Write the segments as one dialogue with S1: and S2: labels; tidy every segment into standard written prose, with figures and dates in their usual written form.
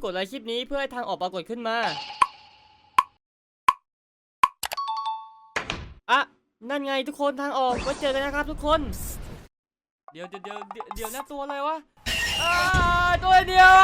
S1: กดไลค์คลิปนี้เพื่อให้ทางออกปรากฏขึ้นมาอ่ะนั่นไงทุกคนทางออกไว้เจอกันนะครับทุกคนเดี๋ยวนะตัวอะไรวะตัวเดียว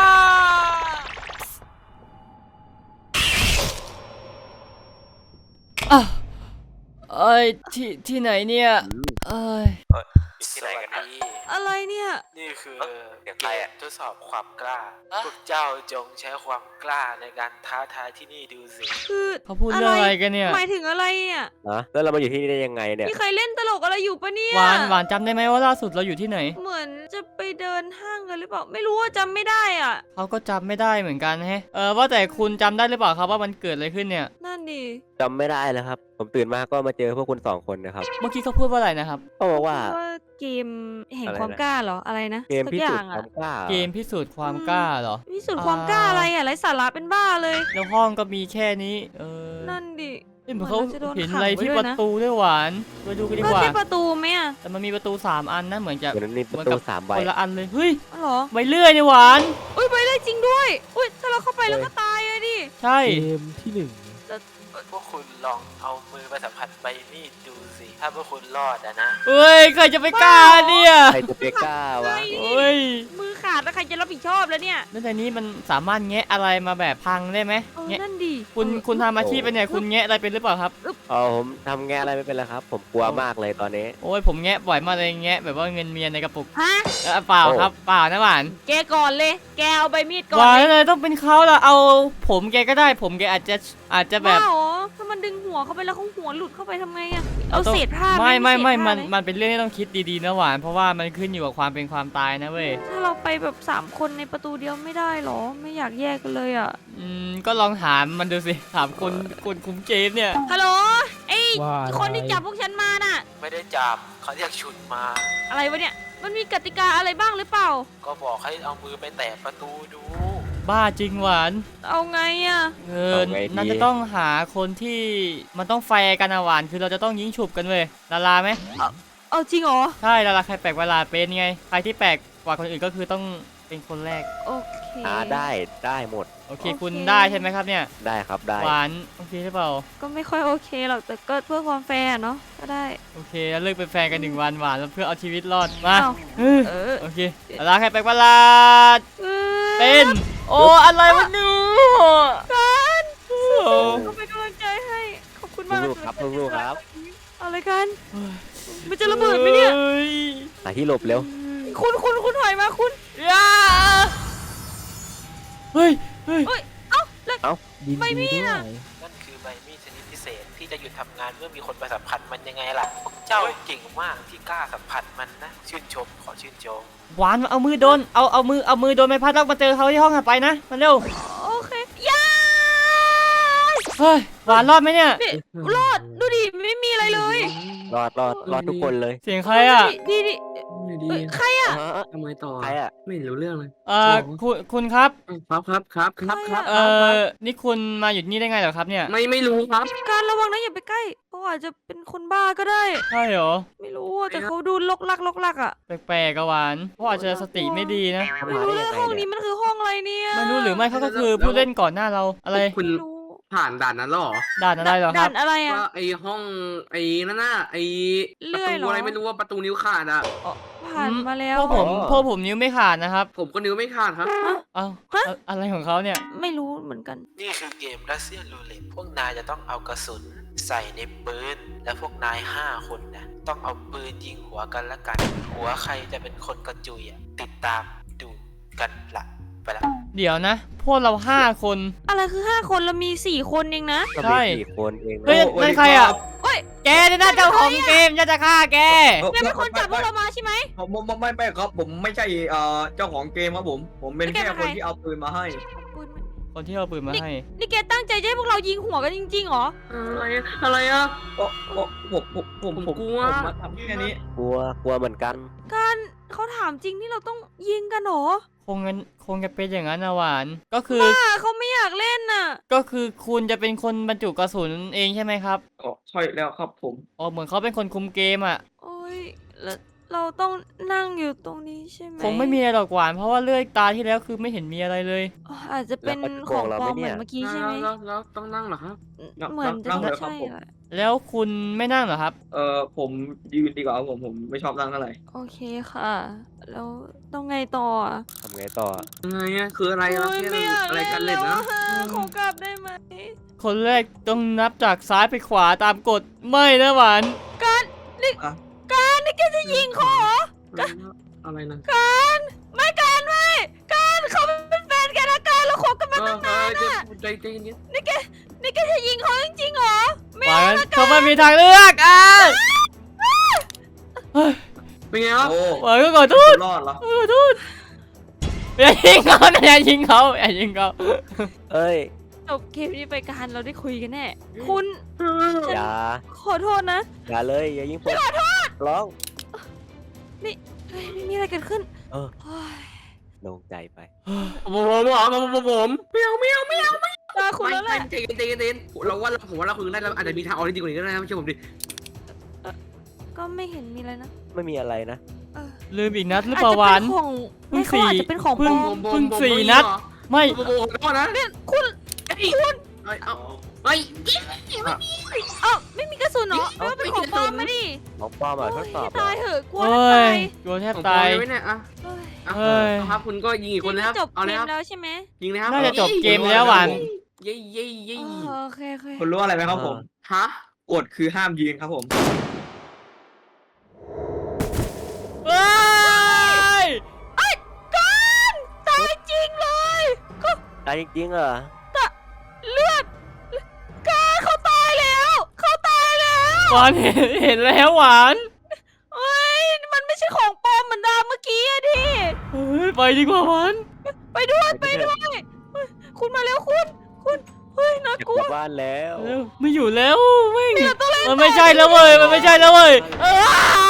S1: เอ้ยที่ไหนเนี่ยเอ้ย
S2: ที่ไหนกันดี
S3: อะไรเนี่ย
S2: นี่คือเกมทดสอบความกล้าพวกเจ้าจงใช้ความกล้าในการท้าทายที่นี่ดูสิ
S3: คือ
S1: เขาพูดเรื่องอะไรกันเนี่ย
S3: หมายถึงอะไรเนี่ย
S4: แล้วเรามาอยู่ที่นี่ได้ยังไงเนี่ย
S3: มีใครเล่นตลกอะไรอยู่ปะเนี่ย
S1: หวานจำได้ไหมว่าล่าสุดเราอยู่ที่ไหน
S3: เหมือนจะไปเดินห้างกันหรือเปล่าไม่รู้ว่าจำไม่ได้อ่ะ
S1: เขาก็จำไม่ได้เหมือนกันแฮะว่าแต่คุณจำได้หรือเปล่าครับว่ามันเกิดอะไรขึ้นเนี่ย
S3: นั่นดิ
S4: จำไม่ได้แล้วครับผมตื่นมาก็มาเจอพวกคุณ2 คนนะครับ
S1: เมื่อกี้เขาพูดว่าอะไรนะครับ
S4: เขาบอกว่า
S3: เกมแห่งความกล้าเหรออะไรนะ
S4: เกมพิสูจน์ความกล้า
S1: เกมพิสูจน์ความกล้าเหรอ
S3: พิสูจน์ความกล้าอะไรอ่ะไร้สาระเป็นบ้าเลย
S1: แล้วห้องก็มีแค่นี้
S3: นั่นดิ
S1: เหมือนเขาเห็นอะไรที่ประตูด้วยหวานไปดูกันดีกว่า
S3: ก็ใช่ประตูไหมอ่ะ
S1: แต่มันมีประตู3 อันนะเหมือนจะ
S4: มีประตู3 ใบ
S1: คนละอันเลยเฮ้ย
S3: หรอ
S1: ใบเลื่อยนี่หวาน
S3: อุ้ยใบเลื่อยจริงด้วยอุ้ยถ้าเราเข้าไปแล้วก็ตายเลยดิ
S1: ใช่
S4: เกมที่1
S2: พวกคุณลองเอามือไปสัมผัสใบมีดดูสิถ้าพวกคุณรอดนะ
S1: เฮ้ยใครจะไปกล้าเนี่ย
S4: ใครจะไปกล้าวะ
S1: เฮ้ย
S3: มือขาดแล้วใครจะรับผิดชอบแล้วเนี่ย
S1: แล้วในนี้มันสามารถแงะอะไรมาแบบพังได้ไหม
S3: แงะนั่นดิ
S1: คุณทำอาชีพเป็นเนี่ยคุณแงะอะไรเป็นหรือเปล่าครับ
S4: ผมทำแงะอะไรไม่เป็นแล้วครับผมกลัวมากเลยตอนนี้
S1: โอ้ยผมแงะบ่อยมากเลยแงะแบบว่าเงินเมียในกระปุก
S3: ฮะ
S1: เปล่าครับเปล่านะหวาน
S3: แกก่อนเลยแกเอาใบมีดก่อน
S1: หวานเลยต้องเป็นเขาละเอาผมแกก็ได้ผมแกอาจจะแบบ
S3: ถ้ามันดึงหัวเข้าไปแล้วเขาหัวหลุดเข้าไปทำไงอะเอาเศษผ้า
S1: ไม่มันเป็นเรื่องที่ต้องคิดดีๆนะหวานเพราะว่ามันขึ้นอยู่กับความเป็นความตายนะเว้ย
S3: ถ้าเราไปแบบ3 คนในประตูเดียวไม่ได้หรอไม่อยากแยกกันเลยอ่ะ
S1: ก็ลองถามมันดูสิถามคนคุมเกมเนี่ย
S3: ฮัลโหลไอ้คนที่จับพวกฉันมาน่ะ
S2: ไม่ได้จับเขาเรียกฉุดมา
S3: อะไรวะเนี่ยมันมีกติกาอะไรบ้างหรือเปล่า
S2: ก็บอกให้เอามือไปแตะประตูดู
S1: บ้าจริงหวาน
S3: เอาไงอ่ะ
S1: น่าจะต้องหาคนที่มันต้องแฟร์กันนะหวานคือเราจะต้องยิงฉุบกันเว้ยลาไหม
S3: เอาจริงเหรอ
S1: ใช่ลาใครแปลกเวลาเป็นไงใครที่แปลกกว่าคนอื่นก็คือต้องเป็นคนแรก
S3: โอเค
S4: ได้หมด
S1: โอเคคุณได้ใช่ไหมครับเนี่ย
S4: ได้ครับได้
S1: หวานโอเคหรือเปล่า
S3: ก็ไม่ค่อยโอเคหรอกแต่ก็เพื่อความแฟร์เนาะก็ได้
S1: โอเคแล้วเลิกเป็นแฟนกัน1 วันหวานแล้วเพื่อเอาชีวิตรอดมาโอเคลาใครแปลกเวลาเป็นโอ้อะไรวะเนี่ย
S3: กันก็เป็นกำลังใจให้ขอบคุณมาก
S4: ครับลูกครับ
S3: อะไรกันมันจะระเบิดไหมเนี่ย
S4: หาที่หลบเร็ว
S3: คุณถอยมาคุณ
S1: เฮ้ย
S3: เอ้า
S4: ใบมีด
S2: นั่นคือใบมีดชนิดพิเศษที่จะหยุดทำงานเมื่อมีคนไปสัมผัสมันยังไงล่ะเจ้าเก่งมากที่กล้าสัมผัสมันนะชื่นชมขอชื่นชม
S1: หวานเอามือโดนเอามือโดนไม้พัดแล้วมาเจอเขาที่ห้องถัดไปนะมาเร็ว
S3: โอเคย่า
S1: เฮ้ยหวานรอดไหมเนี่ย
S3: รอดดูดิไม่มีอะไรเลย
S4: รอดทุกคนเลย
S1: เสียงใครอ่ะ
S3: ดิใครอ่ะ
S5: ทำไมต่อ
S4: ใครอ่ะ
S5: ไม่รู้เรื่องเลย
S1: คุณครับนี่คุณมาอยู่นี่ได้ไงเหรอครับเนี่ย
S5: ไม่รู้ครับ
S3: การระวังนะอย่าไปใกล้เพราะอาจจะเป็นคนบ้าก็ได้
S1: ใช่เหรอ
S3: ไม่รู้แต่เขาดูลกลักอ่ะ
S1: แปลกๆหวานเพราะอาจจะสติไม่ดีนะ
S3: ไม่รู้เลยห้องนี้มันคือห้องอะไรเนี่ย
S1: ไม่รู้หรือไม่เขาก็คือผู้เล่นก่อนหน้าเราอะไร
S5: คุณผ่านด่านนั้นหรอ
S1: ด่านอะไรหรอครับ
S3: ด่านอะไรอ่ะ
S5: ไอห้องไอนั่นน่ะไอประตูอะไรไม่รู้ว่าประตูนิ้วขาดอ่ะ
S3: ผ่านมาแล้ว
S1: พวกผมนิ้วไม่ขาดนะครับ
S5: ผมก็นิ้วไม่ขาดครับ
S1: อะไรของเขาเนี่ย
S3: ไม่รู้เหมือนกัน
S2: นี่คือเกมรัสเซียนรูเล็ตพวกนายจะต้องเอากระสุนใส่ในปืนและพวกนาย5 คนนะต้องเอาปืนยิงหัวกันละกันหัวใครจะเป็นคนกระจุยติดตามดูกันละไปแล้ว
S1: เดี๋ยวนะพวกเรา5 คน
S3: อะไรคือ5 คนเรามี4 คนเองนะ
S4: ใช่4 คนเอง
S1: เฮ้ยนั่นใครอ่ะแกเนี่ยน่าจะของเกมจะฆ่าแก
S3: เป็นคนจับพวกเรามาใช่ไหม
S5: ผมไม่ครับผมไม่ใช่เจ้าของเกมครับผมเป็นแค่คนที่เอาปืนมาให้
S1: คนที่เอาปืนมาให้
S3: นี่แกตั้งใจให้พวกเรายิงหัวกันจริงๆเหรอ
S5: อะไรอ่ะผมกลัวมาทำแค่นี้
S4: กลัวเหมือนกัน
S3: การเขาถามจริงนี่เราต้องยิงกันเหรอ
S1: คงจะเป็นอย่างนั้นนะหวานก็คือ
S3: เขาไม่อยากเล่นน่ะ
S1: ก็คือคุณจะเป็นคนบรรจุกระสุนเองใช่ไหมครับ
S5: ใช่แล้วครับผม
S1: เหมือนเขาเป็นคนคุมเกมอ่ะ
S3: โอ้ยแเราต้องนั่งอยู่ตรงนี้ใช่ไหม
S1: คงไม่มีอะไรหรอกหวานเพราะว่าเลือดตาที่แล้วคือไม่เห็นมีอะไรเลย
S3: อ๋ออาจจะเป็นของปลอมเหมือนเมื่อกี้ใช่ไหม
S6: แล้วต้องนั่งเหรอครับ
S3: เหมือนจะ
S5: นั่ง
S3: ไม่
S5: เลยครับ
S3: ใช่
S5: ผม
S3: อะ
S1: แล้วคุณไม่นั่งเหรอครับ
S5: ผมยืนดีกว่าครับผมไม่ชอบนั่งเท่าไหร่
S3: โอเคค่ะ แล้วต้องไงต่ออะ
S4: ทำไงต่อ
S6: อะไรอะคืออะไรอะ
S3: โอ๊ย
S6: เนี่ย
S3: ไม่อยาก
S6: อะไร
S3: เล่น
S6: กัน
S3: แล้
S6: เล่น
S3: ว
S6: นะ
S3: อะขอกลับได้ไหม
S1: คนแรกต้องนับจากซ้ายไปขวาตามกฎไม่นะหวาน
S3: การนี่
S5: อ่ะ
S3: การนี่แกจะยิงเขาเหรอ
S6: อะไรนะ
S3: การไม่การไม่การเขาเป็นแฟนกันนะการเราคบกันมาตั้งนาน
S6: เดี๋ยว
S3: อะ
S6: ใจเย็น
S3: นี่แกจะยิงเขาจริงๆเหรอไม่
S1: หวา
S3: เอา
S1: น
S3: ละกั
S1: เขา
S3: น
S1: ไม่มีทางเลือกอ่ะเฮ้ย
S6: เป็นไงครับ
S5: โอ้
S1: หวานก็ขอโทษ
S5: รอดเหรอ
S1: ขอโทษอย่ายิงเขานะอย่ายิงเขาอย่ายิงเขา
S4: เอ้ย
S3: จบเกมนี้ไปการเราได้คุยกันแน่คุณ
S4: อย่า
S3: ขอโทษนะ
S4: อย่าเลยอย่ายิงผมร้อง
S3: เฮ้ยไม่มีอะไรเกิดขึ้น
S4: เออ
S3: โอ้ย
S4: โล่งใจไป
S6: ผมไม่เอา
S3: ตาคุณแล้วแหละ
S6: ใจเย็นเราว่าผมว่าเราคุยกันได้เราอาจจะมีทางออกที่ดีกว่านี้ก็ได้นะไม่ใช่ผมดิ
S3: ก็ไม่เห็นมีอะไรนะ
S4: ไม่มีอะไรนะ
S3: เออ
S1: ลืมอีกนัดหรือเปล่าหวาน
S3: ไม่เขาอาจจะเป็นของปลอม
S1: เพิ่งสี่นัด ไม่
S6: ผมขอโทษนะ
S3: เนี่ยคุณ
S6: เอาเฮ้ย
S3: เอ้าไม่มีกระสุนเหรอไม่ว่าเป็นของปลอมมาดิ
S4: ของปลอมอ่ะทดสอบเหร
S3: ตา
S4: อย
S3: เหอะกลัว
S1: เฮ้
S3: จะตาย ย
S1: กลัวแทบ
S6: ผม
S1: ตาย
S6: ไว้เนี่ยอ่ะ
S3: เฮ้ย
S1: เฮ้ย
S6: ครับคุณก็ยิงอีกคนนะครับ
S3: จบ
S6: เอา
S3: เก
S6: เลย
S3: ม
S6: ครับ
S3: แล้วใช่ไหม
S6: ยิงเลยครับ
S1: น่าจะจบเกมแล้วหวาน
S6: เย้เย้เย้
S3: โอเคโอเค
S5: คุณรู้อะไรไหมครับผม
S6: ฮะ
S5: กฎคือห้ามยืนครับผม
S1: เฮ้ย
S3: กันตายจริงเลยก็
S4: ตายจริงๆเหรอ
S3: เลือดกันเขาตายแล้วเขาตายแล้ว
S1: หวานเห็นแล้วหวาน
S3: เฮ้ยมันไม่ใช่ของปลอมเหมือนดาวเมื่อกี้อะดิ
S1: เฮ้ยไปดีกว่าหวาน
S3: ไปด้วยไปด้วยเฮ้ยคุณมาแล้วคุณเฮ้ยน่า
S4: จะ
S3: ก
S4: ก
S3: ลัว
S4: ลับบ้านแล้ว
S1: เร็วไม่อยู่แล้วไม่
S3: เนี่ยต้องเล่น
S1: มันไม่ใช่แล้วเว้ยมันไม่ใช่แล้วเว้ยเออ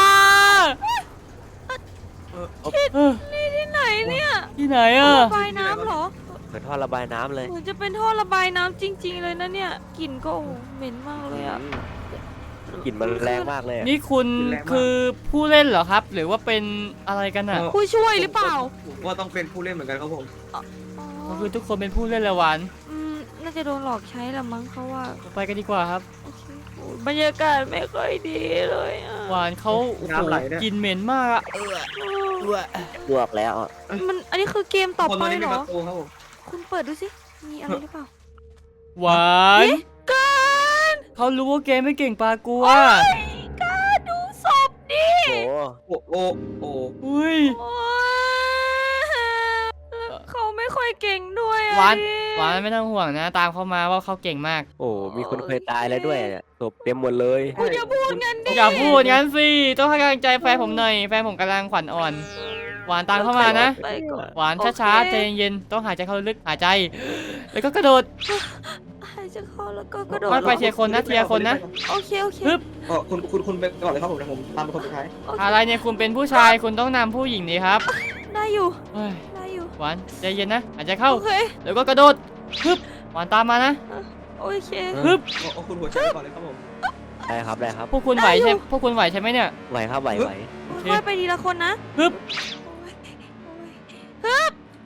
S3: นี่ที่ไหนเนี่ย
S1: ที่ไหนอ่ะ
S3: ระบายน้ำเหรอ
S4: เหมือนท่อระบายน้ำเลย
S3: เหมือนจะเป็นท่อระบายน้ำจริง ๆ เลยนะเนี่ยกลิ่นก็โอ้โหเหม็นมากเลยอะ
S4: กลิ่นมันแรงมากเลยอะ
S1: นี่คุณคือผู้เล่นเหรอครับ หรือว่าเป็นอะไรกันอ่ะ
S3: ผู้ช่วยหรือเปล่า
S5: ผมว่าต้องเป็นผู้เล่นเหมือนกันครับผม
S3: อ๋อ
S1: ก็คือทุกคนเป็นผู้เล่นละหวาน
S3: น่าจะโดนหลอกใช้ละมั้งเขาว่า
S1: ไปกันดีกว่าครับ
S3: โอเคโอ้บรรยากาศไม่ค่อยดีเลยอะ
S1: หวานเขาโอ้โห
S5: น้ำไหลเนี่ย
S1: กลินเหม็นมากอะ
S4: ลวกแล้วอะ
S3: มันอันนี้คือเกมต่อ
S5: คน
S3: ไป
S5: ตัวนี้
S3: เห
S5: มี
S3: ร
S5: ป
S3: อ
S5: ระตูครับผม
S3: คุณเปิดดูสิ มีอะไรหรือเปล่า
S1: หวาน
S3: การ
S1: เขารู้ว่าเกมไม่เก่งปลากลัว
S3: การดูศพดิ
S4: โอ้
S5: โอ้โอ้
S1: อุ้ย
S3: โอ๊ยเขาไม่ค่อยเก่งด้วยอะ
S1: หวาน
S3: ดิ
S1: หวานไม่ต้องห่วงนะ ตามเขามาว่าเขาเก่งมาก
S4: โอ้มีคนเคยตายแล้วด้วยเนี่ยศพเต็มหมดเลย
S3: คุณอย่าพูดงั้นดิ
S1: อย่าพูดงั้นสิ ต้องให้กำลังใจแฟนผมหน่อย แฟนผมกำลังขวัญอ่อน หวานตามเข้ามานะ
S3: ไปก่อน
S1: หวานช้าๆใจเย็นๆต้องหายใจเข้าลึกหายใจ แล้วก็กระโดด
S3: หายใจเข้าแล้วก็กระโดด
S1: ค่อยไปทีละคนนะทีละคนนะ
S3: โอเคโอเค
S1: ฮึบ
S5: คุณไปก่อนเลยครับผมเดี๋ยวผมตามเป็นคนสุดท้าย
S3: โอเค
S1: อะไรเนี่ยคุณเป็นผู้ชายคุณต้องนำผู้หญิงนี่ครับ
S3: ได้อยู่
S1: เฮ้ย
S3: ได้อยู่
S1: หวานใจเย็นนะหายใจเข้า
S3: โอเค
S1: แล้วก็กระโดดฮึบหวานตามมานะ
S3: โอเค
S1: ฮึบ
S5: เอาคุณหัวใจก่อนเลยครับผม
S4: ได้ครับได้ครับ
S1: พวกคุณไหวใช่พวกคุณไหวใช่ไหมเนี่ย
S4: ไหวครับไหว
S3: ค่อยไปทีละคนนะ
S1: ฮึบ
S3: โอ้ย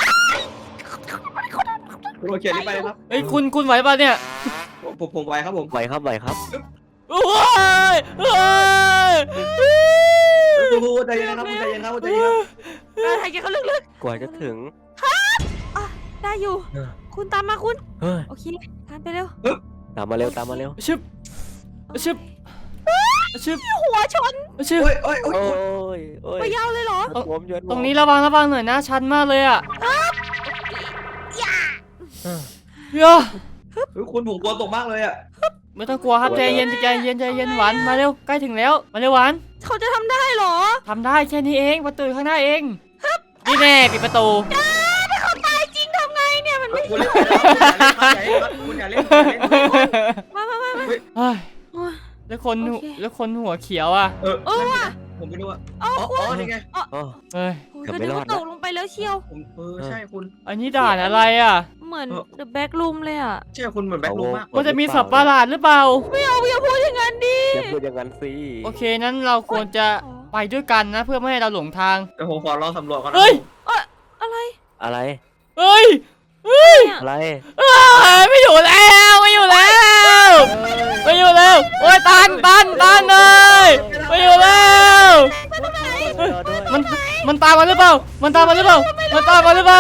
S5: คุณโอเครีบไปเลยครับ
S1: เอ้ยคุณไหวป่ะเนี่ย
S5: ผมไวครับผม
S4: ไหวครับไหวครับ
S1: โอ้ยโอ้ย
S5: คุณใจเย็นนะครับคุณใจเย็นครับคุณใจเย็นครับ
S3: หายใจเข้าลึก
S4: กว่าจะถึง
S3: ๆ ได้อยู่
S4: เออ
S3: คุณตามมาคุณ
S4: เฮ้ย
S3: โอเคการไปเร็ว
S4: ตามมาเร็วตามมาเร็ว
S1: ชึบชึบชึบ
S3: หัวชน
S1: ชึบ
S5: โอ้ยโอ้ยโอ้
S4: โอ้
S5: ย
S4: ยโอ้ย
S3: ไปยาวเลยเหรอ
S4: ผมยน
S1: ตรงนี้ระวังหน่อยนะชันมากเลยอ่ะเฮ้ย
S5: คุณผมกลัวตกมากเลยอ่ะ
S1: ไม่ต้องกลัวครับใจเย็นหวานมาเร็วใกล้ถึงแล้วมาเร็วหวาน
S3: เขาจะทำได้เหรอ
S1: ทำได้แค่นี้เองประตูอยู่ข้างหน้าเองนี่แน่ปิดประตู
S3: ถ้าเขาตายจริงทำไงเนี่ยมันไม่
S5: คุณเล่นคุณอย่าเล่นคุณอย่าเล่น
S3: มา
S1: เฮ้ย
S3: โอ้ย
S1: แล้วคน
S3: โอเค
S1: แล้วคนหัวเขียวอ่ะ
S3: ว่ะ
S5: ผมไม่รู้อ่ะ
S3: เอา
S5: อ๋อนี่ไง
S4: โอ้
S1: เฮ้ย
S3: โอ้ย
S4: เกือบ
S3: ก็
S4: ไม่
S3: นึก
S4: รอด
S3: ว่า
S4: นะ
S3: ตกลงไปแล้วเชียว
S5: ผมใช่คุณ
S1: อันนี้ด่านอะไรอ่ะ
S3: เหมือน The Back Room เลยอ่ะ
S5: ใช่คุณเหมือนแบ็คลูมมาก
S1: มันจะมีสับประหลาดหรือเปล่า
S3: ไม่เอาอย่าพูดอย่างนั้นดิ
S4: อย่าพูดอย่างนั้นสิ
S1: โอเคนั้นเราควรจะไปไปด้วยกันนะเพื่อไม่ให้เราหลงทาง
S5: เดี๋ยวผมขอลองสำรวจก่อนนะ
S1: เฮ้ย
S3: อะไร
S4: อะไร
S1: เฮ้ย
S3: เนี่ย
S4: อะไร
S1: ไม่อยู่แล้วไม่อยู่แล้วไม่อยู่แล้วโอ้ยตันเลยไม่อยู่แล้ว
S4: รอด้วย
S1: มันตามมาหรือเปล่ามันตามมาหรือเปล่ามันข้าง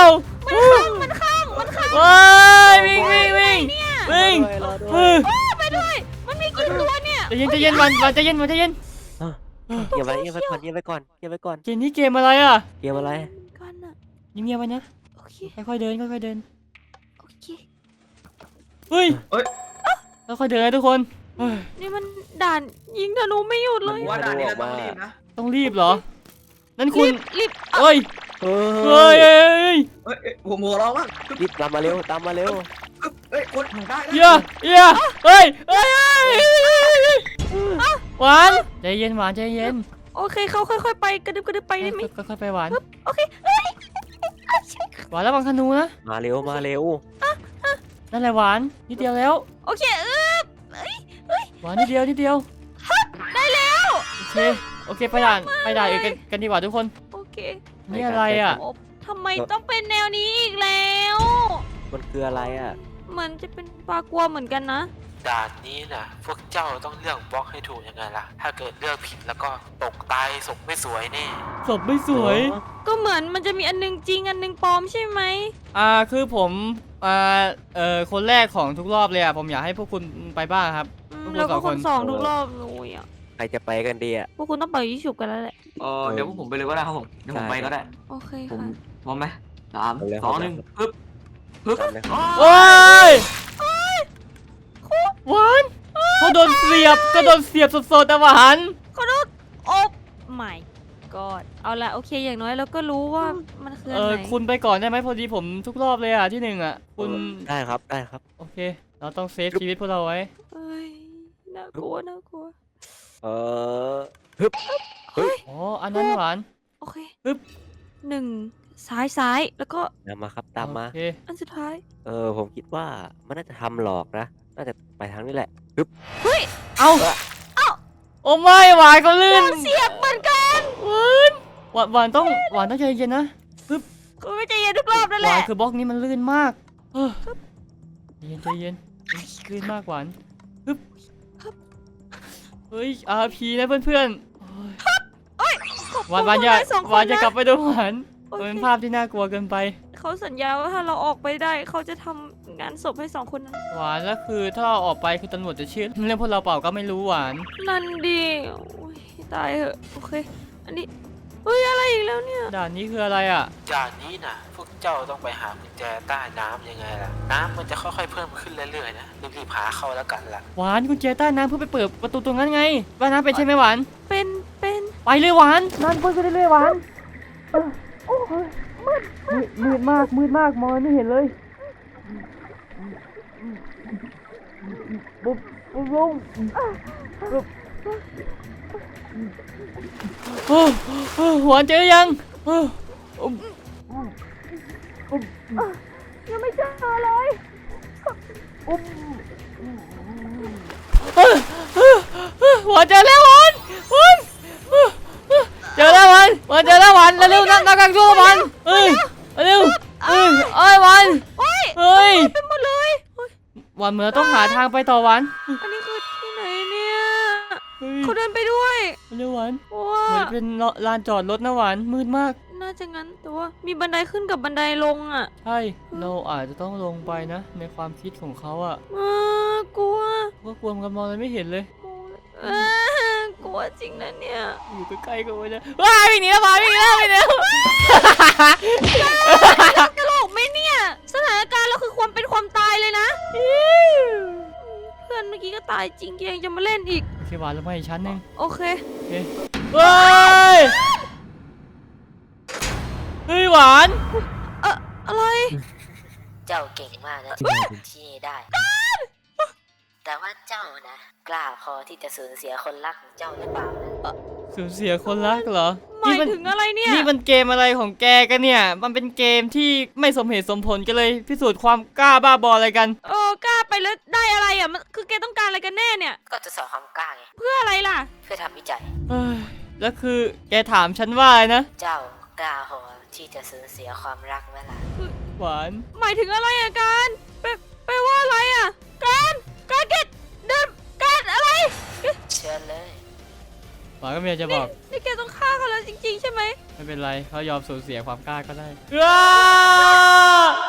S1: เฮ้ยวิ่ง
S4: รอด้วย
S1: เฮ้ย
S3: ไปด้วย มันมีกี่ตัวเนี่ย
S1: ใจเย็นวันใจเย็น
S4: เก็บไว้ก่อนเก็บไว้ก่อน
S1: เกมนี้เกมอะไรอ่ะ
S4: เกมอะไร
S3: กันอะ
S1: เงียบๆไว้นะ
S3: โอเค
S1: ค่อยๆเดิน
S3: โอเค
S1: เฮ้ยค่อยๆเดินนะทุกคนเฮ้ย
S3: นี่มันด่านยิงธนูไม่หยุดเลย
S5: ผมว่าด่านนี้เราต้องรีบนะ
S1: ต้องรีบเหรอนั่นคุณ
S3: รีบ
S1: เฮ้ย
S4: เฮ้ย
S5: ผมหัวร้องมาก
S4: รีบตามมาเร็ว
S5: เฮ้ยคนได้
S1: เหี้ยเฮ้ยหวานใจเย็นหวานใจเย็น
S3: โอเคเขาค่อยๆไปกระดึบไปได้ไหม
S1: ค่อยๆไปหวาน
S3: โอเคเฮ้ย
S1: หวานระวังธนูนะ
S4: มาเร็ว
S1: นั่นแหละหวานนิดเดียวแล้ว
S3: โอเค
S1: หวานนิดเดียว
S3: ได้แล้ว
S1: โอเคไปด่านอื่นกันดีกว่าทุกคน
S3: โอเค
S1: นี่อะไรอ่ะ
S3: โอ้ทำไมต้องเป็นแนวนี้อีกแล้ว
S4: มันคืออะไรอ่ะ
S3: เหมือนจะเป็นปลากลัวเหมือนกันนะ
S2: ด่านนี้นะพวกเจ้าต้องเลือกบล็อกให้ถูกยังไงล่ะ ถ้าเกิดเลือกผิดแล้วก็ตกตายศพไม่สวยแน่
S1: ศพไม่สวย
S3: ก็เหมือนมันจะมีอันนึงจริงอันนึงปลอมใช่ไหม
S1: คือผมคนแรกของทุกรอบเลยอ่ะผมอยากให้พวกคุณไปบ้างครับ พวกคุณ
S3: แล้วก็
S1: สอง
S3: ค
S1: คน
S3: นสองทุกรอบเลยอ่ะ
S4: ใครจะไปกันดีอ่ะ
S3: พวกคุณต้องเป่ายิงฉุบกันแล้วแหละ
S5: เดี๋ยวผมไปเลยก็ได้ครับผมเดี๋ยวผมไปก็ได้
S3: โอเค
S5: ผม
S3: ค่ะ
S5: พร้อมไหม3 2 1ปึ๊บ
S4: ตามเลยครับ
S1: โอ้ยหวานเขาโดนเสียบสดๆแต่หวาน
S3: ขอโทษโอ้ไม่กอดเอาละโอเคอย่างน้อยเราก็รู้ว่ามันคืออันไหน
S1: คุณไปก่อนได้ไหมพอดีผมทุกรอบเลยอ่ะที่หนึ่งอ่ะคุณ
S4: ได้ครับ
S1: โอเค เราต้องเซฟชีวิตพวกเราไว้
S3: เอ้ยน่ากลัว
S4: ฮึบ
S1: อ๋ออันนั้นหวาน
S3: โอเค
S1: ปึ๊บ
S3: 1ซ้ายแล้วก็
S4: ตามมาครับ ตามมา
S1: โอเค
S3: อันสุดท้าย
S4: ผมคิดว่ามันน่าจะทำหลอกนะ น่าจะไปทางนี้แหละ
S1: เอาโอ้ไม่หวานเขาลื่น
S3: เสียบเหมือนกัน
S1: หวานต้องใจเย็นนะ
S3: กูไม่ใจเย็นทุกรอบนั่น
S1: ห
S3: แห
S1: วาน
S3: ละ
S1: คือบล็อกนี้มันลื่นมากใจเย็นลื่นมากหวานฮึบเฮ้ย RP นะเพื่อนๆหวานอย่า
S3: สองคน
S1: หวานจะกลับไปดูหวาน
S3: โอเค
S1: มันเป็นภาพที่น่ากลัวเกินไป
S3: เขาสัญญาว่าถ้าเราออกไปได้เขาจะทำงานศพให้2 คนนั้น
S1: หวานแล้วคือถ้าเราออกไปคือตำรวจจะเชื่อเรื่องพวกเราเปล่าก็ไม่รู้หวาน
S3: นั่นดีโอ้ยตายเหอะโอเค อันนี้เฮ้ยอะไรอีกแล้วเนี่ย
S1: ด่านนี้คืออะไรอ่ะ
S2: ด่านนี้นะพวกเจ้าต้องไปหากุญแจใต้น้ำยังไงล่ะ น้ำมันจะค่อยๆเพิ่มขึ้นเรื่อยๆนะรีบๆหาเข้าแล้วกันล่ะ
S1: หวานกุญแจใต้น้ำเพื่อไปเปิดประตูตรงนั้นไงว่ายน้ำเป็นใช่ไหมหวาน
S3: เป็น
S1: ไปเลยหวานนั่นไปเรื่อยๆหวานมืดมากมองไม่เห็นเลยปุ๊บลงหวานเจอยัง
S3: ยังไม่เจอเลย
S1: หวานเจอแล้วหวานเจอแล้วหวานเจอแล้วหวานเร็วๆนักการช่วยหวานเร็วหวาน
S3: โอ้ย
S1: เฮ้ย
S3: เป็นหมดเลยเฮ้ย
S1: หวานเหมือนต้องหาทางไปต่อหวาน
S3: อันนี้คือที่ไหนเนี่ย
S1: เฮ้ย
S3: เขาเดินไปด้วย
S1: เร็วหวาน
S3: ว้า
S1: เหมือนเป็นลานจอดรถนะหวานมืดมาก
S3: น่าจะงั้นแต่ว่ามีบันไดขึ้นกับบันไดลงอ่ะ
S1: ใช่เราอาจจะต้องลงไปนะ ในความคิดของเขาอะ
S3: กลัว
S1: ว่ากลัวมันมองอะไรไม่เห็นเลย
S3: กลัวจริงนะเนี่ย
S1: อยู่ใกล้ๆกันไว้นะว้ายวิ่งหนีแล้วหวานวิ่งหนีแล้ว
S3: ตลกไหมเนี่ย สถานการณ์เราคือความเป็นความตายเลยนะ เพื่อนเมื่อกี้ก็ตายจริงแกยังจะมาเล่นอีก
S1: โอเคหวานลงมาอีกชั้นหนึง
S3: โอเค
S1: โอเคเฮ้ยหวาน
S3: อะไร
S7: เจ้าเก่งมากนะที่ได้ แต่ว่าเจ้านะ กล้าพอที่จะสูญเสียคนรักของเจ้าหรือเปล่านะ
S1: สูญเสียคนรักเหรอ
S3: หมายถึงอะไรเนี่ย
S1: นี่มันเกมอะไรของแกกันเนี่ย มันเป็นเกมที่ไม่สมเหตุสมผลกันเลย พิสูจน์ความกล้าบ้าบออะไรกัน
S3: กล้าไปแล้วได้อะไรอ่ะมันคือแกต้องการอะไรกันแน่เนี่ย
S7: ก็จะสอนความกล้าไง
S3: เพื่ออะไรล่ะ
S7: เพื่อทำวิจัย
S1: เอ้ยแล้วคือแกถามฉันว่าอะไรนะ
S7: เจ้ากล้าพอที่จะสูญเสียความรักไหมล่ะ
S1: หวาน
S3: หมายถึงอะไรอะการไปว่าอะไรอะการเกดเดินการอะไร
S7: เชิญเลย
S1: หวานก็มีอะไรจะบอก
S3: นี่แกต้องฆ่าเขาแล้วจริงๆใช่ไหม
S1: ไม่เป็นไรเขายอมสูญเสียความกล้าก็ได้